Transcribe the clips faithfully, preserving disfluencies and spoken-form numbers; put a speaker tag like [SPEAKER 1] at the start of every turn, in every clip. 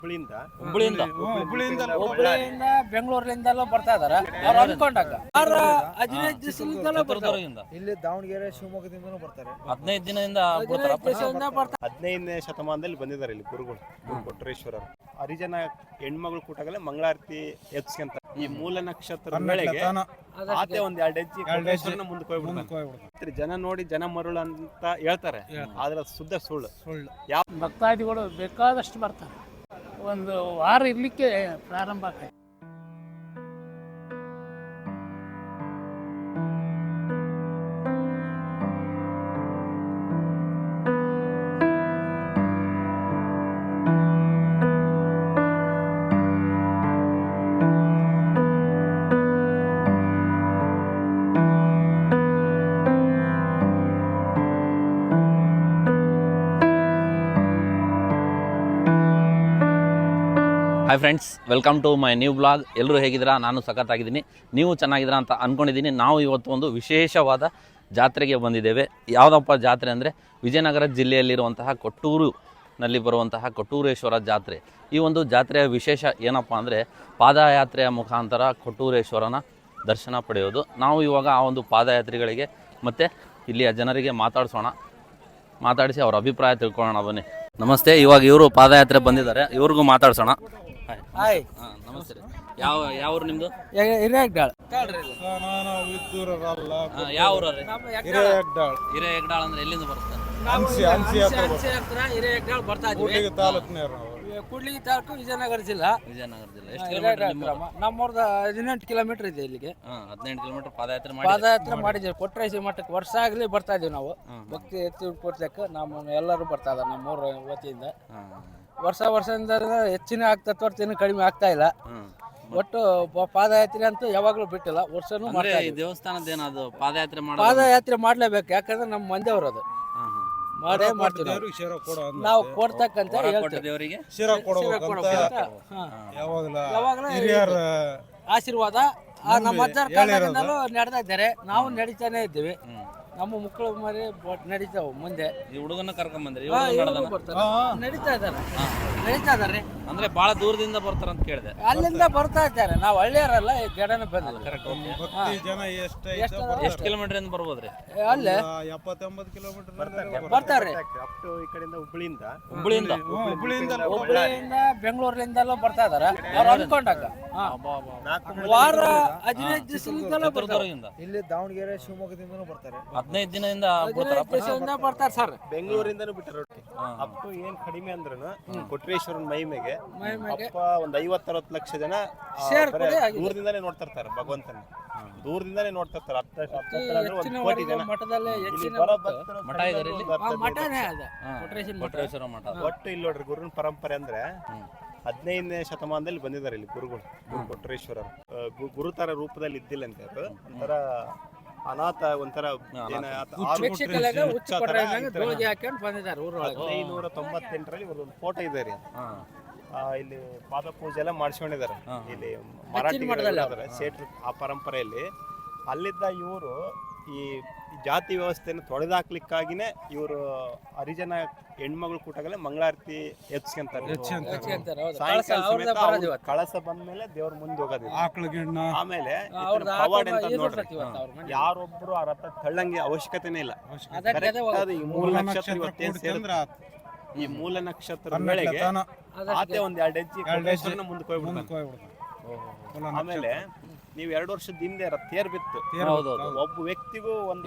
[SPEAKER 1] ಹುಬ್ಳಿಯಿಂದ
[SPEAKER 2] ಹುಬ್ಳಿಯಿಂದ
[SPEAKER 1] ಹುಬ್ಳಿಯಿಂದ
[SPEAKER 3] ಹುಬ್ಳಿಯಿಂದ ಬೆಂಗಳೂರಿನಿಂದಲೂ ಬರ್ತಾ ಇದಾರೆ ಅವ್ರು ಅನ್ಕೊಂಡಾಗ ಆರು ಹದಿನೈದು ದಿವಸದಿಂದಲೂ ಬರ್ತಾರೆ
[SPEAKER 4] ಇಲ್ಲಿ ದಾವಣಗೆರೆ ಶಿವಮೊಗ್ಗದಿಂದನೂ ಬರ್ತಾರೆ.
[SPEAKER 2] ಹದಿನೈದು ದಿನದಿಂದ ಬರ್ತಾರ
[SPEAKER 3] ಹದಿನೈದು ದಿವಸದಿಂದ ಬರ್ತಾರೆ.
[SPEAKER 1] ಹದಿನೈದನೇ ಶತಮಾನದಲ್ಲಿ ಬಂದಿದ್ದಾರೆ ಇಲ್ಲಿ ಗುರುಗಳು ಗುರು ಕೊಟ್ರೇಶ್ವರರು. ಹರಿಜನ ಹೆಣ್ಮಗಳು ಕೂಟಾಗಲೇ ಮಂಗಳಾರತಿ ಎತ್ಸ್ಕೊಂತ ಈ ಮೂಲ ನಕ್ಷತ್ರ ವೇಳೆಗೆ ಆತೆ ಒಂದ್ ಎರಡು ಹೆಜ್ಜೆ ಕೊಟ್ರೇಶ್ವರನ ಮುಂದಕ್ಕೆ ಹೋಗ್ಬಿಡ್ತಾರೆ. ಜನ ನೋಡಿ ಜನ ಮರುಳು ಅಂತ ಹೇಳ್ತಾರೆ, ಆದ್ರೆ ಶುದ್ಧ ಸುಳ್ಳು. ಯಾವ
[SPEAKER 5] ಭಕ್ತಾದಿಗಳು ಬೇಕಾದಷ್ಟು ಬರ್ತಾರೆ. ಒಂದು ವಾರ ಇರ್ಲಿಕ್ಕೆ ಪ್ರಾರಂಭ ಆಗ್ತದೆ.
[SPEAKER 2] Hi friends, welcome to my new blog. ಎಲ್ಲರೂ ಹೇಗಿದ್ದೀರಾ? ನಾನು ಸಖತ್ತಾಗಿದ್ದೀನಿ, ನೀವು ಚೆನ್ನಾಗಿದ್ದೀರಾ ಅಂತ ಅಂದ್ಕೊಂಡಿದ್ದೀನಿ. ನಾವು ಇವತ್ತು ಒಂದು ವಿಶೇಷವಾದ ಜಾತ್ರೆಗೆ ಬಂದಿದ್ದೇವೆ. ಯಾವುದಪ್ಪ ಜಾತ್ರೆ ಅಂದರೆ ವಿಜಯನಗರ ಜಿಲ್ಲೆಯಲ್ಲಿರುವಂತಹ ಕೊಟ್ಟೂರಿನಲ್ಲಿ ಬರುವಂತಹ ಕೊಟ್ಟೂರೇಶ್ವರ ಜಾತ್ರೆ. ಈ ಒಂದು ಜಾತ್ರೆಯ ವಿಶೇಷ ಏನಪ್ಪ ಅಂದರೆ ಪಾದಯಾತ್ರೆಯ ಮುಖಾಂತರ ಕೊಟ್ಟೂರೇಶ್ವರನ ದರ್ಶನ ಪಡೆಯೋದು. ನಾವು ಇವಾಗ ಆ ಒಂದು ಪಾದಯಾತ್ರಿಗಳಿಗೆ ಮತ್ತು ಇಲ್ಲಿಯ ಜನರಿಗೆ ಮಾತಾಡಿಸೋಣ, ಮಾತಾಡಿಸಿ ಅವ್ರ ಅಭಿಪ್ರಾಯ ತಿಳ್ಕೊಳ್ಳೋಣ. ಬನ್ನಿ. ನಮಸ್ತೆ. ಇವಾಗ ಇವರು ಪಾದಯಾತ್ರೆ ಬಂದಿದ್ದಾರೆ, ಇವ್ರಿಗೂ ಮಾತಾಡ್ಸೋಣ.
[SPEAKER 3] ಹಾಯ್
[SPEAKER 2] ಹಾಂ, ನಮಸ್ತೆ. ಯಾವ ಯಾವ ಊರು ನಿಮ್ಮದು?
[SPEAKER 3] ಹಿರೇಗ್ಡಾಳ್.
[SPEAKER 2] ಯಾವ ಊರವ್ರಿ? ಹಿರೇಯಗ್ಡಾಳ್ ಅಂದ್ರೆ ಎಲ್ಲಿಂದ ಬರುತ್ತೆ?
[SPEAKER 3] ಹಿರೇಗ್ಡಾಳ್ ಬರ್ತಾ ಇದ್ವಿ. ಕೂಡ್ಲಿಗಿ ತಾಲೂಕು ವಿಜಯನಗರ ಜಿಲ್ಲಾ.
[SPEAKER 2] ವಿಜಯನಗರ ಜಿಲ್ಲೆ. ಎಷ್ಟು ಕಿಲೋಮೀಟರ್?
[SPEAKER 3] ನಮ್ಮೂರ್ದ ಹದಿನೆಂಟು ಕಿಲೋಮೀಟರ್ ಇದೆ ಇಲ್ಲಿಗೆ.
[SPEAKER 2] ಹಾಂ, ಹದಿನೆಂಟು ಕಿಲೋಮೀಟರ್ ಪಾದಯಾತ್ರೆ ಮಾಡಿ
[SPEAKER 3] ಪಾದಯಾತ್ರೆ ಮಾಡಿದ್ದೀವಿ. ಕೊಟ್ರೇಶ್ವರ ಮಠಕ್ಕೆ ವರ್ಷ ಆಗಲಿ ಬರ್ತಾ ಇದೀವಿ ನಾವು. ಭಕ್ತಿ ಎತ್ತಿ ಕೊಡ್ಲಿಕ್ಕೆ ನಮ್ಮ ಎಲ್ಲರೂ ಬರ್ತಾ ಇದ್ದಾರೆ ನಮ್ಮೂರ ವತಿಯಿಂದ. ವರ್ಷ ವರ್ಷದಿಂದ ಹೆಚ್ಚಿನ ಆಗ್ತಾ ಹೊರತು ಇನ್ನೂ ಕಡಿಮೆ ಆಗ್ತಾ ಇಲ್ಲ. ಒಟ್ಟು ಪಾದಯಾತ್ರೆ ಅಂತೂ ಯಾವಾಗಲೂ ಬಿಟ್ಟಿಲ್ಲ, ವರ್ಷನೂ ಮಾಡ್ತಾ
[SPEAKER 2] ಈ ದೇವಸ್ಥಾನದ ಏನದು ಪಾದಯಾತ್ರೆ ಮಾಡಿ
[SPEAKER 3] ಪಾದಯಾತ್ರೆ ಮಾಡ್ಲೇಬೇಕು. ಯಾಕಂದ್ರೆ ನಮ್ಮ ಮಂದಿಯವರು ಅದು ಮಾಡೇ ಮಾಡ್ತೀವಿ ನಾವು ಕೊಡ್ತಕ್ಕಂತ ಹೇಳ್ತೀವಿ.
[SPEAKER 2] ದೇವರಿಗೆ
[SPEAKER 3] ಯಾವಾಗಲೂ ಆಶೀರ್ವಾದ ಆ ನಮ್ಮ ಅಜ್ಜರ ಕಾಲದಿಂದಲೂ ನಡೆದ ಇದ್ದಾರೆ. ನಾವು ನಡೀತಾನೆ ಇದ್ದೀವಿ. ನಮ್ಮ ಮಕ್ಕಳು ಮರಿ ನಡೀತಾವ ಮುಂದೆ.
[SPEAKER 2] ಈ ಹುಡುಗನ ಕರ್ಕೊಂಡ್ ಬಂದ್ರಿ?
[SPEAKER 3] ನಡೀತಾ ಇದ್ದಾರೆ ನಡೀತಾ ಇದಾರೆ
[SPEAKER 2] ಅಂದ್ರೆ ಬಹಳ ದೂರದಿಂದ ಬರ್ತಾರಂತ ಕೇಳಿದೆ.
[SPEAKER 3] ಅಲ್ಲಿಂದ ಬರ್ತಾ ಇದ್ದಾರೆ. ನಾವು ಹಳ್ಳಿಯರಲ್ಲ, ಈ ಗಡನ ಬಂದಿಲ್ಲ.
[SPEAKER 2] ಎಷ್ಟು ಕಿಲೋಮೀಟರ್ ಇಂದ ಬರ್ಬೋದ್ರಿ?
[SPEAKER 3] ಅಲ್ಲೇ
[SPEAKER 4] ಎಪ್ಪತ್ತೆಂಬತ್ತು ಕಿಲೋಮೀಟರ್
[SPEAKER 3] ಬರ್ತಾರೆ.
[SPEAKER 1] ಅಪ್ ಟು ಈ ಕಡೆಯಿಂದ ಹುಬ್ಳಿಯಿಂದ
[SPEAKER 2] ಹುಬ್ಳಿಯಿಂದ
[SPEAKER 4] ಹುಬ್ಳಿಯಿಂದ
[SPEAKER 3] ಹುಬ್ಳಿಯಿಂದ ಬೆಂಗಳೂರಿನಿಂದಲೂ ಬರ್ತಾ ಇದಾರೆ ಅವ್ರು ಅನ್ಕೊಂಡಾಗ. ವಾರ ಹದಿನೈದು ದಿವಸದಿಂದಲೂ ಬರ್ತಾರೆ.
[SPEAKER 4] ಇಲ್ಲಿ ದಾವಣಗೆರೆ ಶಿವಮೊಗ್ಗದಿಂದನೂ ಬರ್ತಾರೆ.
[SPEAKER 2] ಹದಿನೈದು ದಿನದಿಂದ
[SPEAKER 3] ಹದಿನೈದು ದಿವಸದಿಂದ ಬರ್ತಾರೆ ಸರ್.
[SPEAKER 1] ಬೆಂಗಳೂರಿಂದನೂ ಬಿಟ್ಟರು. ಅಪ್ ಟು ಏನ್ ಕಡಿಮೆ ಅಂದ್ರೂ ಕೊಟ್ರೇಶ್ವರನ್ ಮಹಿಮೆಗೆ ಅಪ್ಪ ಒಂದ್ ಐವತ್ ಅರವತ್ತು ಲಕ್ಷ ಜನ ದೂರದಿಂದಾನೇ ನೋಡ್ತಾ ಇರ್ತಾರೆ ಭಗವಂತನ. ದೂರದಿಂದಾನೇ ನೋಡ್ತಾ ಇರ್ತಾರೆ. ಹತ್ತು ಕೋಟಿ ಜನ
[SPEAKER 3] ಮಠದಲ್ಲೇ ಹೆಚ್ಚಿನ
[SPEAKER 2] ಮಠ ಇದೆ ಇಲ್ಲಿ.
[SPEAKER 3] ಮಠನೇ ಅದ
[SPEAKER 2] ಕೊಟ್ರೇಶ್ವರ ಮಠ.
[SPEAKER 1] ಒಟ್ಟು ಇಲ್ಲಿ ನೋಡ್ರಿ ಗುರುನ ಪರಂಪರೆ ಅಂದ್ರೆ ಹದಿನೈದನೇ ಶತಮಾನದಲ್ಲಿ ಬಂದಿದ್ದಾರೆ ಇಲ್ಲಿ ಗುರುಗಳು. ಗುರು ಕೊಟ್ರೇಶ್ವರರು ಗುರುತರ ರೂಪದಲ್ಲಿ ಇದ್ದಿಲ್ಲ ಅಂತ ಅದು ಒಂಥರ ಅನಾಥ, ಒಂಥರ ಹದಿನೈನೂರ ತೊಂಬತ್ತೆಂಟರಲ್ಲಿ ಒಂದು ಫೋಟೋ ಇದೆ ರೀ. ಇಲ್ಲಿ ಪಾದ ಪೂಜೆ ಎಲ್ಲ ಮಾಡಿಸ್ಕೊಂಡಿದ್ದಾರೆ ಇಲ್ಲಿ ಮರಾಠಿ ಸೇಟ್ರು ಆ ಪರಂಪರೆಯಲ್ಲಿ. ಅಲ್ಲಿದ್ದ ಇವರು ಈ ಜಾತಿ ವ್ಯವಸ್ಥೆಯನ್ನು ತೊಡೆದಾಕ್ಲಿಕ್ಕಾಗಿನೇ ಇವರು ಹರಿಜನ ಹೆಣ್ಮಗಳು ಕೂಟಾಗಲೇ ಮಂಗಳಾರತಿ ಎತ್ಸ್ಕೊಂತಾರೆ. ಸಾಯಂಕಾಲ ಕಳಸ ಬಂದ್ಮೇಲೆ ದೇವ್ರ ಮುಂದೆ ಹೋಗೋದಿಲ್ಲ. ಆಮೇಲೆ ಪವಾಡ ಅಂತ ನೋಡ್ರಿ, ಯಾರೊಬ್ರು ಆ ರಥ ತಳ್ಳಂಗೆ ಅವಶ್ಯಕತೆನೇ ಇಲ್ಲ. ಈ ಮೂಲ ನಕ್ಷತ್ರ ಇವತ್ತೇನ್ ಸೇರಿದ್ರ ಈ ಮೂಲ ನಕ್ಷತ್ರ ವೇಳೆಗೆ ಆತೆ ಒಂದ್ ಎರಡು ಹೆಜ್ಜೆ ಮುಂದಕ್ಕೆ ಹೋಗ್ಬಿಡ್ತಾನೆ. ಆಮೇಲೆ ನೀವ್ ಎರಡು ವರ್ಷದ ಹಿಂದೆ ತೇರ್ ಬಿತ್ತು, ಒಬ್ಬ ವ್ಯಕ್ತಿಗೂ ಒಂದು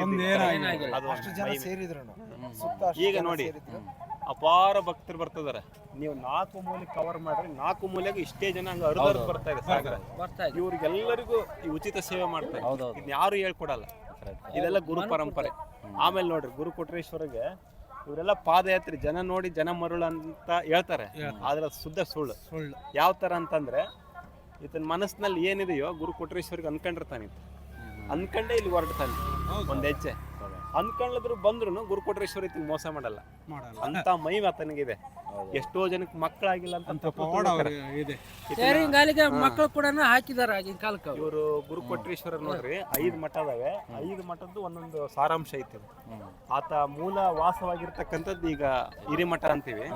[SPEAKER 1] ಈಗ ನೋಡಿ ಅಪಾರ ಭಕ್ತರು ಬರ್ತದಾರೆ. ನೀವು ನಾಲ್ಕು ಮೂಲೆ ಕವರ್ ಮಾಡ್ರಿ, ನಾಲ್ಕು ಮೂಲೆಗೂ ಇಷ್ಟೇ ಜನ ಹಂಗ ಹರಿದು ಬರ್ತಾ ಇದೆ ಸಾಗರ. ಇವ್ರಿಗೆಲ್ಲರಿಗೂ ಈ ಉಚಿತ ಸೇವೆ ಮಾಡ್ತಾರೆ. ಇದನ್ನ ಯಾರು ಹೇಳ್ಕೊಡಲ್ಲ. ಇದೆಲ್ಲ ಗುರು ಪರಂಪರೆ. ಆಮೇಲೆ ನೋಡ್ರಿ ಗುರು ಕೊಟ್ರೇಶ್ವರಿಗೆ ಇವರೆಲ್ಲ ಪಾದಯಾತ್ರೆ ಜನ ನೋಡಿ ಜನ ಮರುಳು ಅಂತ ಹೇಳ್ತಾರೆ, ಆದ್ರೆ ಶುದ್ಧ ಸುಳ್ಳು. ಯಾವ ತರ ಅಂತಂದ್ರೆ ಈತನ ಮನಸ್ಸಿನಲ್ಲಿ ಏನಿದೆಯೋ ಗುರು ಕೊಟ್ರೇಶ್ವರಿಗೆ ಅನ್ಕೊಂಡಿರ್ತಾನೆ. ಅನ್ಕಂಡೇ ಇಲ್ಲಿ ಹೊರಡ್ತಾನೆ ಒಂದ್ ಹೆಜ್ಜೆ. ಅನ್ಕೊಂಡ್ರು ಬಂದ್ರು ಗುರು ಕೊಟ್ರೇಶ್ವರ ಈತನ ಮೋಸ ಮಾಡಲ್ಲ. ಅಂತ ಮಹಿಮೆ ಆತನಿಗಿದೆ. ಎಷ್ಟೋ ಜನಕ್ಕೆ ಮಕ್ಕಳಾಗಿಲ್ಲ ಅಂತ
[SPEAKER 3] ಮಕ್ಕಳು ಕೂಡ ಹಾಕಿದಾರೆ ಆಗಿನ ಕಾಲಕ್ಕೆ.
[SPEAKER 1] ಇವರು ಗುರು ಕೊಟ್ರೇಶ್ವರ ನೋಡ್ರಿ, ಐದು ಮಠ ಅದಾವೆ. ಐದು ಮಠದ್ದು ಒಂದೊಂದು ಸಾರಾಂಶ ಐತಿ. ಆತ ಮೂಲ ವಾಸವಾಗಿರ್ತಕ್ಕಂಥದ್ದು ಈಗ ಹಿರಿಮಠ ಅಂತೀವಿ.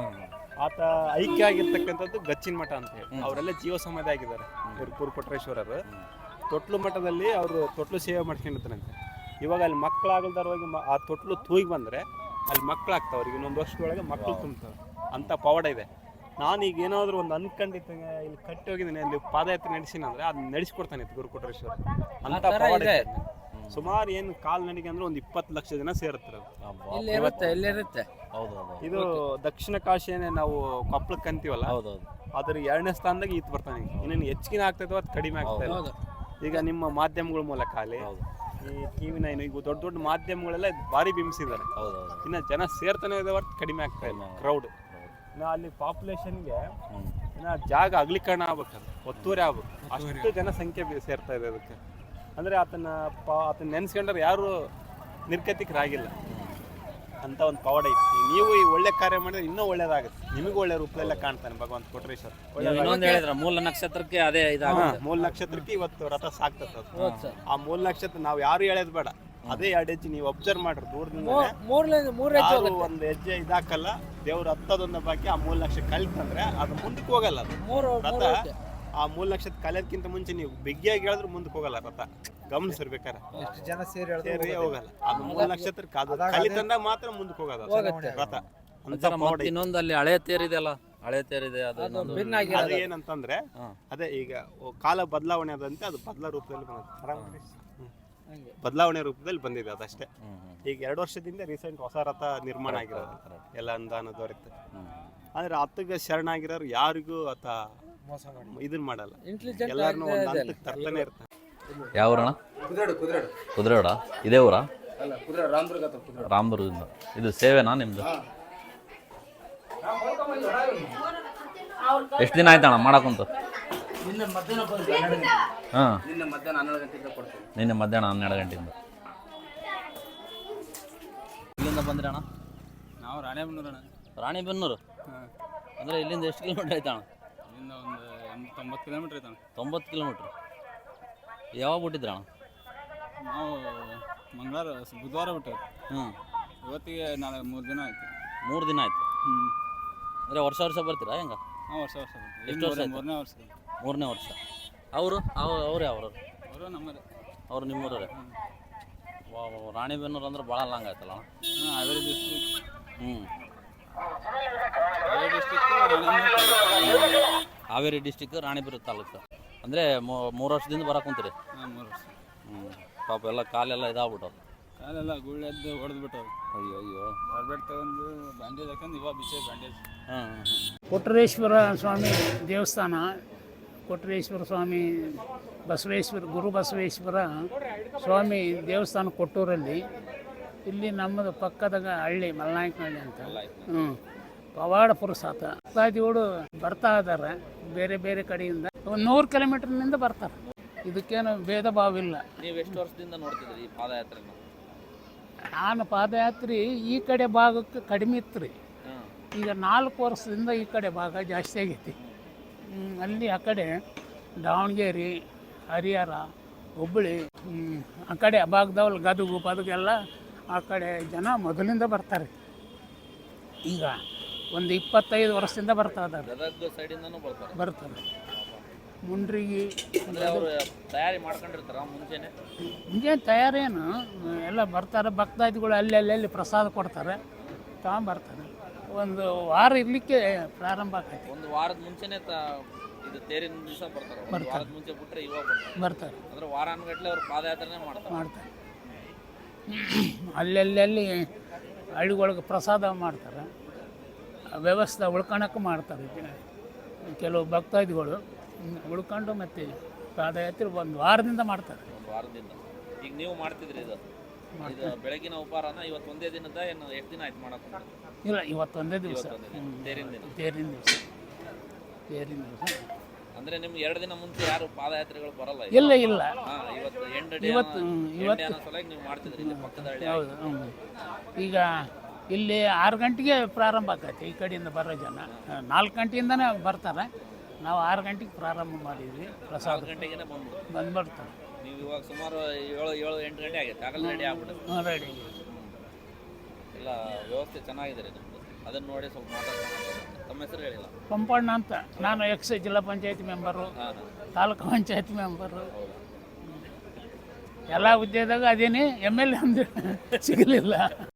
[SPEAKER 1] ಆತ ಐಕ್ಯ ಆಗಿರ್ತಕ್ಕಂಥದ್ದು ಗಚ್ಚಿನ ಮಠ ಅಂತ ಹೇಳಿ ಅವರೆಲ್ಲ ಜೀವ ಸಮಾಧಿ ಆಗಿದ್ದಾರೆ ಇವ್ರು ಪುರಕೊಟ್ರೇಶ್ವರರು. ತೊಟ್ಲು ಮಠದಲ್ಲಿ ಅವರು ತೊಟ್ಲು ಸೇವೆ ಮಾಡ್ಕೊಂಡಿರ್ತಾರಂತೆ. ಇವಾಗ ಅಲ್ಲಿ ಮಕ್ಕಳಾಗಲ್ದಾರ ಹೋಗಿ ಆ ತೊಟ್ಲು ತೂಗಿ ಬಂದರೆ ಅಲ್ಲಿ ಮಕ್ಕಳಾಗ್ತಾವೆ, ಅವ್ರಿಗೆ ಇನ್ನೊಂದು ವರ್ಷದೊಳಗೆ ಮಕ್ಕಳು ತುಂಬ್ತಾವೆ ಅಂತ ಪವಾಡ ಇದೆ. ನಾನು ಈಗ ಏನಾದರೂ ಒಂದು ಅನ್ಕೊಂಡಿದ್ದೆ ಇಲ್ಲಿ ಕಟ್ಟಿ ಹೋಗಿದ್ದೀನಿ ಅಲ್ಲಿ ಪಾದಯಾತ್ರೆ ನಡೆಸಿನ ಅಂದರೆ ಅದನ್ನ ನಡೆಸ್ಕೊಡ್ತಾನೆ ಇತ್ತು ಗುರುಕೊಟ್ರೇಶ್ವರ ಅಂತ ಪವಾಡ ಇದೆ. ಸುಮಾರು ಏನು ಕಾಲ್ ನಡಿಗೆ ಅಂದ್ರೆ ಒಂದು ಇಪ್ಪತ್ತು ಲಕ್ಷ ಜನ ಸೇರುತ್ತಾರೆ.
[SPEAKER 3] ಇಲ್ಲಿ ಇರುತ್ತೆ ಇಲ್ಲಿರುತ್ತೆ.
[SPEAKER 2] ಹೌದು ಹೌದು
[SPEAKER 1] ಇದು ದಕ್ಷಿಣ ಕಾಶಿಯೇ ನಾವು ಕೊಪ್ಪಳಕ್ಕೆ ಅಂತೀವಲ್ಲ,
[SPEAKER 2] ಹೌದೌದು.
[SPEAKER 1] ಅದ್ರ ಎರಡನೇ ಸ್ಥಾನದಾಗ ಈತ ಬರ್ತಾನೆ. ಇನ್ನೇನು ಹೆಚ್ಚಿಗೆ ಆಗ್ತೈತೆ ಅದು ಕಡಿಮೆ ಆಗ್ತಾ ಇಲ್ಲ. ಈಗ ನಿಮ್ಮ ಮಾಧ್ಯಮಗಳ ಮೂಲಕ ಅಲ್ಲಿ ಈ ಟಿವಿ ನೈನ್ ಈಗ ದೊಡ್ಡ ದೊಡ್ಡ ಮಾಧ್ಯಮಗಳೆಲ್ಲ ಭಾರಿ ಬಿಂಬಿಸಿದ್ದಾರೆ. ಇನ್ನು ಜನ ಸೇರ್ತಾನೆ ಇದೆ ಹೊರತು ಕಡಿಮೆ ಆಗ್ತಾ ಇಲ್ಲ ಕ್ರೌಡ್. ಇನ್ನು ಅಲ್ಲಿ ಪಾಪ್ಯುಲೇಷನ್ಗೆ ಇನ್ನು ಜಾಗ ಅಗಲೀಕರಣ ಆಗ್ಬೇಕು, ಒತ್ತುವರಿ ಆಗ್ಬೇಕು, ಅಷ್ಟು ಜನ ಸಂಖ್ಯೆ ಸೇರ್ತಾ ಇದೆ ಅದಕ್ಕೆ. ಅಂದರೆ ಆತನ ಪಾ ಆತನ ನೆನೆಸ್ಕೊಂಡ್ರೆ ಯಾರು ನಿರ್ಗತಿಕರಾಗಿಲ್ಲ ಅಂತ ಒಂದು ಪವಾಡ ಐತಿ. ನೀವು ಈ ಒಳ್ಳೆ ಕಾರ್ಯ ಮಾಡಿದ್ರೆ ಇನ್ನೂ ಒಳ್ಳೇದಾಗುತ್ತೆ, ನಿಮಗೂ ಒಳ್ಳೆ ರೂಪದಲ್ಲೇ ಕಾಣ್ತಾನೆ ಭಗವಂತ ಕೊಟ್ರೇಶ್ವರ.
[SPEAKER 2] ಇನ್ನೊಂದು ಹೇಳಿದ್ರ ಮೂಲ ನಕ್ಷತ್ರಕ್ಕೆ ಅದೇ ಇದಾಗುತ್ತೆ.
[SPEAKER 1] ಮೂಲ ನಕ್ಷತ್ರಕ್ಕೆ ಇವತ್ತು ರಥ ಸಾಕ್ತದೆ. ಆ ಮೂಲ ನಕ್ಷತ್ರ ನಾವು ಯಾರು ಹೇಳೋದು ಬೇಡ, ಅದೇ ಎರಡು ಹೆಜ್ಜೆ ನೀವು ಅಬ್ಸರ್ವ್ ಮಾಡ್ರಿ ದೂರದಿಂದ. ಒಂದು ಹೆಜ್ಜೆ ಇದಾಕಲ್ಲ, ದೇವ್ರ ಹತ್ತದೊಂದ ಬಾಕಿ ಆ ಮೂಲ ನಕ್ಷತ್ರ ಕಲಿತಂದ್ರೆ ಅದು ಮುಂದಕ್ಕೆ ಹೋಗಲ್ಲ. ಅದು ರಥ ಆ ಮೂಲ ನಕ್ಷತ್ರ ಕಲಿಯೋದಕ್ಕಿಂತ ಮುಂಚೆ ನೀವು ಬಿಗ್ಗಿಯಾಗಿ ಹೇಳಿದ್ರು ಮುಂದಕ್ಕೆ ಹೋಗಲ್ಲ ರಥ. ಗಮನಿಸಿರ್ಬೇಕಾರೆ
[SPEAKER 4] ಎಷ್ಟು ಜನ ಸೇರಿ
[SPEAKER 1] ಸೇರಿ ಹೋಗಲ್ಲ. ಅದು ಮೂಲ ನಕ್ಷತ್ರಕ್ಕೆ ಅದು ಕಲಿತಂದಾಗ ಮಾತ್ರ ಮುಂದಕ್ಕೆ ಹೋಗೋದು ರಥ.
[SPEAKER 2] ಇನ್ನೊಂದು ಅಲ್ಲಿ ಹಳೆ ತೇರಿದೆಯಲ್ಲ, ಹಳೆ ತೇರಿದೆ ಅದು
[SPEAKER 1] ಅದು ಏನಂತಂದ್ರೆ ಅದೇ ಈಗ ಕಾಲ ಬದಲಾವಣೆ ಆದಂತೆ ಅದು ಬದಲಾ ರೂಪದಲ್ಲಿ ಬಂದಿದೆ, ಬದಲಾವಣೆ ರೂಪದಲ್ಲಿ ಬಂದಿದೆ ಅದಷ್ಟೇ. ಈಗ ಎರಡು ವರ್ಷದಿಂದ ರೀಸೆಂಟ್ ಹೊಸ ರಥ ನಿರ್ಮಾಣ ಆಗಿರೋದು ಎಲ್ಲ ಅನುದಾನ ದೊರೆತು. ಅಂದ್ರೆ ಹತ್ತಿಗೆ ಶರಣಾಗಿರೋರು ಯಾರಿಗೂ ಆತ ಇದನ್ನ ಮಾಡಲ್ಲ, ಎಲ್ಲಾರನ್ನೂ ಒಂದು ಹಂತಕ್ಕೆ ತರ್ತಾನೆ ಇರ್ತಾನೆ.
[SPEAKER 2] ಯಾವ ಊರಣ? ಕುದುರೆಡ. ಇದೇ ಊರ? ರಾಮದುರ್ಗದಿಂದ. ಇದು ಸೇವೆನಾ ನಿಮ್ದು? ಎಷ್ಟು ದಿನ ಆಯ್ತಣ್ಣ ಮಾಡಕ್ಕಂತ? ಹಾಂ, ನಿನ್ನೆ ಮಧ್ಯಾಹ್ನ ಹನ್ನೆರಡು ಗಂಟೆಯಿಂದ. ಇಲ್ಲಿಂದ ಬಂದ್ರಿ ಅಣ್ಣ?
[SPEAKER 6] ನಾವು ರಾಣೆಬೆನ್ನೂರು ಅಣ್ಣ.
[SPEAKER 2] ರಾಣಿಬೆನ್ನೂರು ಅಂದರೆ ಇಲ್ಲಿಂದ ಎಷ್ಟು ಕಿಲೋಮೀಟ್ರ್ ಆಯ್ತಣ್ಣ?
[SPEAKER 6] ಇಲ್ಲಿಂದ ಒಂದು ಎಂಟು ತೊಂಬತ್ತು ಕಿಲೋಮೀಟ್ರ್ ಐತಣ್ಣ.
[SPEAKER 2] ತೊಂಬತ್ತು ಕಿಲೋಮೀಟ್ರ್. ಯಾವಾಗ ಬಿಟ್ಟಿದ್ರಣ್ಣ?
[SPEAKER 6] ನಾವು ಮಂಗಳವಾರ ಬುಧವಾರ ಬಿಟ್ಟೇವೆ.
[SPEAKER 2] ಹ್ಞೂ,
[SPEAKER 6] ಇವತ್ತಿಗೆ ನಾಳೆ ಮೂರು ದಿನ ಆಯ್ತು.
[SPEAKER 2] ಮೂರು ದಿನ ಆಯ್ತು.
[SPEAKER 6] ಹ್ಞೂ,
[SPEAKER 2] ಅಂದರೆ ವರ್ಷ ವರ್ಷ ಬರ್ತೀರಾ ಹೆಂಗೆ?
[SPEAKER 6] ಹಾಂ, ವರ್ಷ ವರ್ಷ ಬರ್ತೀವಿ.
[SPEAKER 2] ಎಷ್ಟು ವರ್ಷ ಆಯ್ತು?
[SPEAKER 6] ಮೂರನೇ ವರ್ಷ.
[SPEAKER 2] ಮೂರನೇ ವರ್ಷ. ಅವರು ಅವ್ರು ಯಾವ್ರು?
[SPEAKER 6] ಅವರು ನಮ್ಮದೇ.
[SPEAKER 2] ಅವರು ನಿಮ್ಮೂರೇ? ವಾ, ರಾಣಿಬೆನ್ನೂರು ಅಂದ್ರೆ ಭಾಳ ಲಾಂಗ್ ಆಯ್ತಲ್ಲ?
[SPEAKER 6] ಹಾಂ, ಹಾವೇರಿ ಡಿಸ್ಟ್ರಿಕ್ಟ್.
[SPEAKER 2] ಹ್ಞೂ,
[SPEAKER 6] ಹಾವೇರಿ ಡಿಸ್ಟ್ರಿಕ್ಟು
[SPEAKER 2] ಹಾವೇರಿ ಡಿಸ್ಟಿಕ್ ರಾಣಿಬೆನ್ನೂರು ತಾಲೂಕು. ಅಂದರೆ ಮೂರು ವರ್ಷದಿಂದ ಬರಕ್ಕೆ ಕುಂತೀರಿ?
[SPEAKER 6] ಹಾಂ, ಮೂರು ವರ್ಷ.
[SPEAKER 2] ಹ್ಞೂ, ಪಾಪ ಎಲ್ಲ ಕಾಲೆಲ್ಲ ಇದಾಗ್ಬಿಟ್ಟವು.
[SPEAKER 6] ಕಾಲೆಲ್ಲ ಗುಳ್ಳೆ ಎದ್ದು ಹೊಡೆದು ಬಿಟ್ಟವು.
[SPEAKER 2] ಅಯ್ಯೋ ಅಯ್ಯೋ.
[SPEAKER 6] ಬರ್ಬೇಟ್ ತಗೊಂಡು ಬ್ಯಾಂಡೇಜ್ ಹಾಕೊಂಡು ಇವಾಗ ಬಿಚ್ಚೆ ಬ್ಯಾಂಡೇಜ್.
[SPEAKER 2] ಹಾಂ ಹಾಂ.
[SPEAKER 5] ಕೊಟ್ರೇಶ್ವರ ಸ್ವಾಮಿ ದೇವಸ್ಥಾನ, ಕೊಟ್ರೇಶ್ವರ ಸ್ವಾಮಿ ಬಸವೇಶ್ವರ ಗುರು ಬಸವೇಶ್ವರ ಸ್ವಾಮಿ ದೇವಸ್ಥಾನ ಕೊಟ್ಟೂರಲ್ಲಿ. ಇಲ್ಲಿ ನಮ್ಮದು ಪಕ್ಕದಾಗ ಹಳ್ಳಿ ಮಲ್ನಾಯಕನಹಳ್ಳಿ ಅಂತ. ಹ್ಞೂ, ಪವಾಡ ಪುರುಸಾತ ಭಕ್ತಾದಿಗಳು ಬರ್ತಾ ಇದ್ದಾರೆ ಬೇರೆ ಬೇರೆ ಕಡೆಯಿಂದ. ಒಂದು ನೂರು ಕಿಲೋಮೀಟರ್ನಿಂದ ಬರ್ತಾರೆ. ಇದಕ್ಕೇನು ಭೇದ ಭಾವ ಇಲ್ಲ.
[SPEAKER 2] ನೀವು ಎಷ್ಟು ವರ್ಷದಿಂದ ನೋಡ್ತಿದ್ರಿ ಈ ಪಾದಯಾತ್ರೆನ?
[SPEAKER 5] ನಾನು ಪಾದಯಾತ್ರೆ ಈ ಕಡೆ ಭಾಗಕ್ಕೆ ಕಡಿಮೆ ಇತ್ತು ರೀ. ಈಗ ನಾಲ್ಕು ವರ್ಷದಿಂದ ಈ ಕಡೆ ಭಾಗ ಜಾಸ್ತಿ ಆಗೈತಿ. ಅಲ್ಲಿ ಆ ಕಡೆ ದಾವಣಗೆರೆ, ಹರಿಹರ, ಹುಬ್ಬಳ್ಳಿ, ಆ ಕಡೆ ಆ ಭಾಗದವ್ರು ಗದಗು ಪದಗೆಲ್ಲ ಆ ಕಡೆ ಜನ ಮೊದಲಿಂದ ಬರ್ತಾರೆ. ಈಗ ಒಂದು ಇಪ್ಪತ್ತೈದು ವರ್ಷದಿಂದ ಬರ್ತಾ ಇದ್ದಾರೆ.
[SPEAKER 2] ಗದಗ ಸೈಡಿಂದನೂ ಬರ್ತಾರೆ?
[SPEAKER 5] ಬರ್ತಾರೆ. ಮುಂಡ್ರಿಗಿ
[SPEAKER 2] ಅವರು ತಯಾರಿ ಮಾಡ್ಕೊಂಡಿರ್ತಾರ ಮುಂಚೆನೆ?
[SPEAKER 5] ಮುಂಜಾನೆ ತಯಾರೇನು ಎಲ್ಲ ಬರ್ತಾರೆ. ಭಕ್ತಾದಿಗಳು ಅಲ್ಲಿ ಅಲ್ಲಿ ಪ್ರಸಾದ ಕೊಡ್ತಾರೆ, ತಗೊಂಬರ್ತಾರೆ. ಒಂದು ವಾರ ಇರಲಿಕ್ಕೆ ಪ್ರಾರಂಭ ಆಗ್ತೈತಿ.
[SPEAKER 2] ಒಂದು ವಾರದ ಮುಂಚೆನೆ ಇದು ತೇರಿನ ದಿವಸ ಬರ್ತಾರೆ. ಒಂದು ವಾರದ ಮುಂಚೆ ಬಿಟ್ಟರೆ ಇವಾಗ ಬರ್ತಾರೆ.
[SPEAKER 5] ಬರ್ತಾರೆ
[SPEAKER 2] ಅಂದ್ರೆ ವಾರಾನುಗಟ್ಟಲೆ ಅವ್ರು ಪಾದಯಾತ್ರೆನೇ ಮಾಡ್ತಾರೆ
[SPEAKER 5] ಮಾಡ್ತಾರೆ ಅಲ್ಲೆಲ್ಲಿ ಹಳ್ಳಿಗಳಿಗೆ ಪ್ರಸಾದ ಮಾಡ್ತಾರೆ, ವ್ಯವಸ್ಥೆ ಉಳ್ಕೊಳಕ್ಕೆ ಮಾಡ್ತಾರೆ. ಕೆಲವು ಭಕ್ತಾದಿಗಳು ಉಳ್ಕೊಂಡು ಮತ್ತೆ ಪಾದಯಾತ್ರೆ ಒಂದು ವಾರದಿಂದ ಮಾಡ್ತಾರೆ.
[SPEAKER 2] ಒಂದು ವಾರದಿಂದ. ಈಗ ನೀವು ಮಾಡ್ತಿದ್ರಿ ಇದು ಇದು ಬೆಳಗಿನ ಉಪಹಾರನ ಇವತ್ತು ಒಂದೇ ದಿನದ ಏನು ಎಷ್ಟು ದಿನ ಆಯ್ತು ಮಾಡಕ್ಕೆ?
[SPEAKER 5] ಇಲ್ಲ, ಇವತ್ತೊಂದೇ ದಿವಸ
[SPEAKER 2] ತೇರಿನ ದಿನ.
[SPEAKER 5] ತೇರಿನ ದಿವಸ ತೇರಿನ ದಿವಸ
[SPEAKER 2] ಅಂದ್ರೆ ನಿಮ್ಗೆ ಎರಡು ದಿನ ಮುಂಚೆ ಯಾರು ಪಾದಯಾತ್ರೆಗಳು ಬರಲ್ಲ?
[SPEAKER 5] ಇಲ್ಲ ಇಲ್ಲ,
[SPEAKER 2] ಹಾಂ, ಇವತ್ತು ಎಂಟು ಡೇ
[SPEAKER 5] ಇವತ್ತು ಇವತ್ತು
[SPEAKER 2] ಸಲುವಾಗಿ ನೀವು ಮಾಡ್ತಿದ್ರಿ ಇಲ್ಲಿ ಪಕ್ಕದ ಹಳ್ಳಿ.
[SPEAKER 5] ಹೌದು. ಹ್ಞೂ, ಈಗ ಇಲ್ಲಿ ಆರು ಗಂಟೆಗೆ ಪ್ರಾರಂಭ ಆಕೈತೆ ಈ ಕಡೆಯಿಂದ ಬರೋ ಜನ. ನಾಲ್ಕು ಗಂಟೆಯಿಂದನೇ ಬರ್ತಾರೆ. ನಾವು ಆರು ಗಂಟೆಗೆ ಪ್ರಾರಂಭ ಮಾಡಿದ್ವಿ. ಪ್ರಸಾದ
[SPEAKER 2] ಗಂಟೆಗೆ ಬಂದು
[SPEAKER 5] ಬಂದ್ಬಿಡ್ತಾರೆ.
[SPEAKER 2] ನೀವು ಇವಾಗ ಸುಮಾರು ಏಳು ಏಳು ಎಂಟು ಗಂಟೆ ಆಗೈತೆ ಆಗಲ್ಲ ರೆಡಿ ಆಗ್ಬಿಡುತ್ತೆ.
[SPEAKER 5] ರೆಡಿ
[SPEAKER 2] ಎಲ್ಲ ವ್ಯವಸ್ಥೆ ಚೆನ್ನಾಗಿದೆ ರೀ ನಿಮ್ಮದು. ಅದನ್ನ ನೋಡಿ ಸ್ವಲ್ಪ ಮಾತಾಡ್ತಾರೆ. ತಮ್ಮ ಹೆಸರು ಹೇಳಿಲ್ಲ.
[SPEAKER 5] ಪಂಪಣ್ಣ ಅಂತ, ನಾನು ಎಕ್ಸ್ ಜಿಲ್ಲಾ ಪಂಚಾಯತಿ ಮೆಂಬರು, ತಾಲೂಕು ಪಂಚಾಯತಿ ಮೆಂಬರು, ಎಲ್ಲ ಹುದ್ದೆದಾಗ ಅದೇನಿ. ಎಮ್ ಎಲ್ ಎ ಅಂದ್ರೆ ಸಿಗಲಿಲ್ಲ.